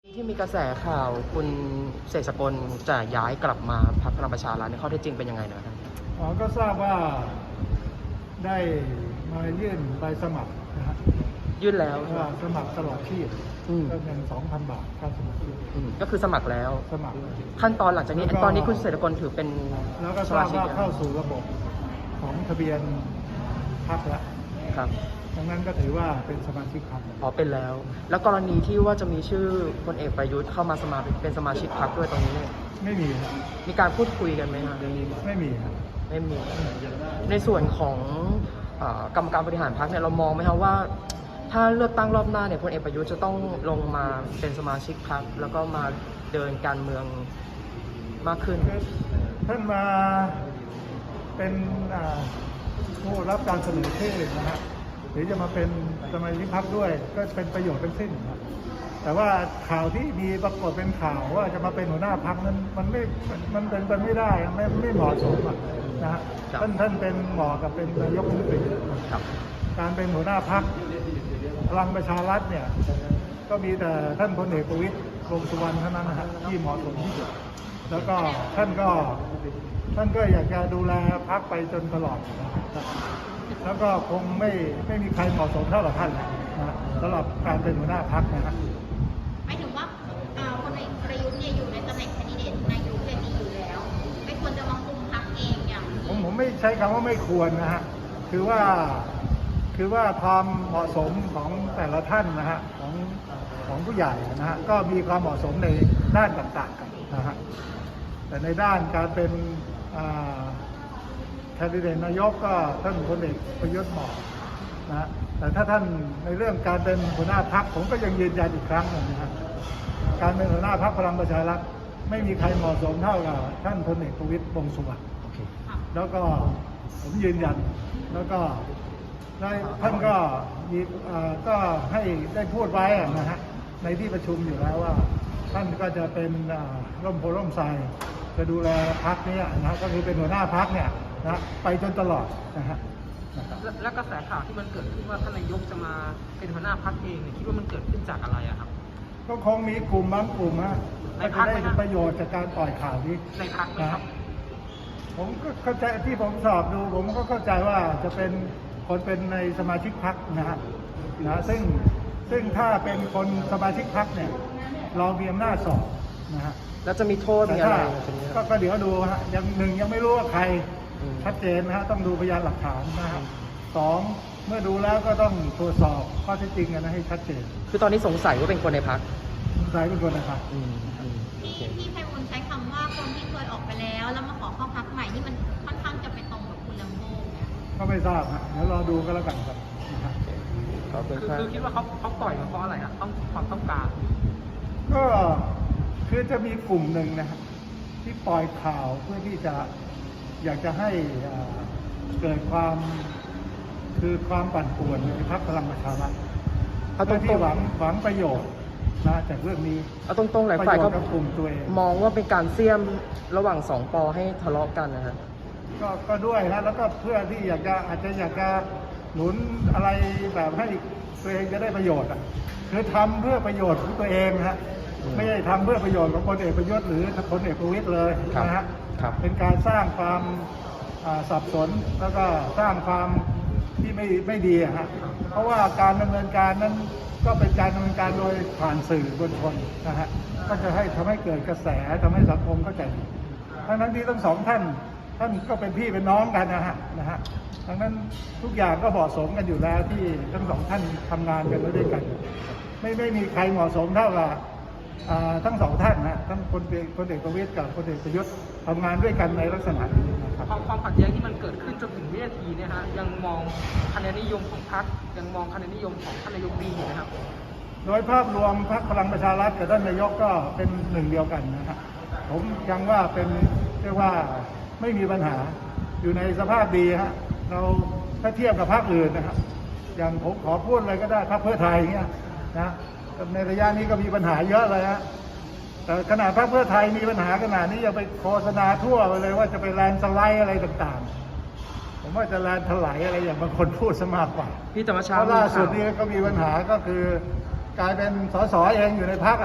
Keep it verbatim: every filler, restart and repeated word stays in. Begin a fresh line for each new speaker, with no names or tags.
ที่มีกระแสข่าวคุณเสกสกลจะย้ายกลับมาพรรคพลังประชารัฐในข้อเท็จจริงเป็นยังไงนะครับ
อ๋อก็ทราบว่าได้มายื่นใบสมัครนะฮะ
ยื่นแล้ว
ว่าสมัครตลอดชีพก็เงิน สองพัน บาทค่าสมัครชีพ
ก็คือสมัครแล้ว
สมัคร
ขั้นตอนหลังจากนี้ตอนนี้คุณเสกสกลถือเป็น
แล้วก็ทราบว่าเข้าสู่ระบบของทะเบียนพรรคแล้ว
ครับ
ดังนั้นก็ถือว่าเป็นสมาชิกพรรค
อ๋อเป็นแล้วแล้วกรณีที่ว่าจะมีชื่อพลเอกประยุทธ์เข้ามาสมัครเป็นสมาชิกพรรคด้วยตรงนี้
ไม่มีครับ
มีการพูดคุยกันไหมครับเรื่องนี้
ไม่มีครับ
ไม่มีในส่วนของกรรมการบริหารพรรคเนี่ยเรามองไหมครับว่าถ้าเลือกตั้งรอบหน้าเนี่ยพลเอกประยุทธ์จะต้องลงมาเป็นสมาชิกพรรคแล้วก็มาเดินการเมืองมากขึ้น
ท่านมาเป็นผู้รับการเสนอชื่อนะฮะหรือจะมาเป็นสมาชิกพรรคด้วยก็เป็นประโยชน์เป็นสิ้นครับแต่ว่าข่าวที่มีปรากฏเป็นข่าวว่าจะมาเป็นหัวหน้าพรรคนั้นมันไม่มันเป็นไปไม่ได้ไม่ไม่เหมาะสมนะฮะท่านท่านเป็นเหมาะกับเป็นนายกรัฐมนตรีการเป็นหัวหน้าพรรคพลังประชารัฐเนี่ยก็มีแต่ท่านพลเอกประวิตรวงษ์สุวรรณเท่านั้นนะฮะที่เหมาะสมที่สุดแล้วก็ท่านก็ท่านก็อยากจะดูแลพรรคไปจนตลอดแล้วก็คงไม่ไม่มีใครเหมาะสมเท่ากับท่านนะสำหรับการเป็นหัวหน้าพรรคนะครับ
หมายถึงว่าพลเอกประยุทธ์เนี่ยอยู่ในตำแหน่งแคนดิเดตนายกเลยดีอยู่แล้วไม่ควรจะมาคุมพรรคเองอย่าง
ผมผมไม่ใช้คำว่าไม่ควรนะฮะคือว่าคือว่าความเหมาะสมของแต่ละท่านนะฮะของของผู้ใหญ่นะฮะก็มีความเหมาะสมในด้านต่างๆกันนะฮะแต่ในด้านการเป็นแคนดิเดตนายกก็ท่านพลเอกประยุทธ์เหมาะนะแต่ถ้าท่านในเรื่องการเป็นหัวหน้าพรรคผมก็ยังยืนยันอีกครั้งนึงนะครับการเป็นหัวหน้าพรรคพลังประชารัฐไม่มีใครเหมาะสมเท่ากับท่านพลเอกประวิตรวงษ์สุวรรณแล้วก็ผมยืนยันแล้วก็ท่านก็มีก็ให้ได้พูดไว้นะฮะในที่ประชุมอยู่แล้วว่าท่านก็จะเป็นร่มโพล่มไทรจะดูแลพรรคนี้นะก็คือเป็นหัวหน้าพรรคเนี่ยนะไปจนตลอดนะฮะ
และกระแสข่าวที่มันเกิดขึ้นว่าท่านนายกจะมาเป็นหัวหน้าพรรคเองเนี่ยคิดว่ามันเกิดขึ้นจากอะไรอะครับ
ก็คงมีกลุ่มบางกลุ่มฮะที่ได้ประโยชน์จากการปล่อยข่าวนี้
ในพรรคนะครับ
ผมก็เข้าใจที่ผมสอบดูผมก็เข้าใจว่าจะเป็นคนเป็นในสมาชิกพรรคนะฮะนะซึ่งซึ่งถ้าเป็นคนสมาชิกพรรคเนี่ยเรามีอำนาจสอบนะฮะ
แล้วจะมีโทษมีอะไร
ก็เดี๋ยวดูฮะยังหนึ่งยังไม่รู้ว่าใครชัดเจนนะฮะต้องดูพยานหลักฐานนะฮะสองเมื่อดูแล้วก็ต้องตรวจสอบข้อเท็จจริงกันนะให้ชัดเจน
คือตอนนี้สงสัยว่าเป็นคนในพรรค
สงสัยเป็นคนในพรรค
ที่ที่ไพบูลย์ใช้คำว่าคนที่เคยออกไปแล้วแล้วมาขอเข้าพรรคใหม่นี่มันค่อนข้างจะไปตรงกับคุณลัมโบ้เนี่ย
ก็ไม่ทราบฮะเดี๋ยวรอดูก็แล้วกันครับ
คือคิดว่าเขาเขาปล่อยมาเพราะอะไรอ่ะต้องความต้องการ
ก็คือจะมีกลุ่มหนึ่งนะครับที่ปล่อยข่าวเพื่อที่จะอยากจะให้เกิดความคือความปั่นป่วนในพรรคพลังประชารัฐเพื่อที่หวังหวังประโยชน์นะจากเรื่องนี้
เอาตรงๆหลายฝ่ายก็
กลุ่มตัวเอง
มองว่าเป็นการเสี่ยมระหว่างสองปอให้ทะเลาะกันนะฮะ
ก็ก็ด้วยนะแล้วก็เพื่อที่อยากจะอาจจะอยากจะหนุนอะไรแบบให้ตัวเองจะได้ประโยชน์อ่ะคือทำเพื่อประโยชน์ของตัวเองฮะไม่ได้ทำเพื่อประโยชน์ของพลเอกประยุทธ์หรือพลเอกประวิตรเลยนะฮะเป็นการสร้างความสับสนแล้วก็สร้างความที่ไม่ไม่ดีฮะเพราะว่าการดำเนินการนั้นก็เป็นการดำเนินการโดยผ่านสื่อบนคนนะฮะก็จะให้ทำให้เกิดกระแสทำให้สังคมเข้าใจทั้งนั้นที่ทั้งสองท่านท่านก็เป็นพี่เป็นน้องกันนะฮะนะฮะดังนั้นทุกอย่างก็เหมาะสมกันอยู่แล้วที่ทั้งสองท่านทำงานกันด้วยกันไม่ไม่มีใครเหมาะสมเท่ากับทั้งสองท่านนะทั้งพลเอกพลเอกประวิตรกับพลเอกประยุทธ์ทำงานด้วยกันในลักษณะนี้นะครับ
ความความขัดแย้งที่มันเกิดขึ้นจนถึงวินาทีเนี่ยฮะยังมองคะแนนนิยมของพรรคยังมองคะแนนนิยมของท่านนายกดีนะครับ
โดยภาพรวมพรรคพลังประชารัฐกับท่านนายกก็เป็นหนึ่งเดียวกันนะครับผมยังว่าเป็นเรียกว่าไม่มีปัญหาอยู่ในสภาพดีฮะเราถ้าเทียบกับพรรคอื่นนะครับอย่างผมขอพูดเลยก็ได้พรรคเพื่อไทยเงี้ยนะในระยะนี้ก็มีปัญหาเยอะเลยฮะแต่ขนาดพรรคเพื่อไทยมีปัญหาขนาดนี้ยังไปโฆษณาทั่วไปเลยว่าจะไปแลนสไลด์อะไรต่างๆผมว่าจะแลนถลายอะไรอย่างบางคนพูดซะมากกว่า
พี่ธรรมชาติ
ล่าสุดนี้ก็มีปัญหาก็คือกลายเป็นสสเองอยู่ในพรรค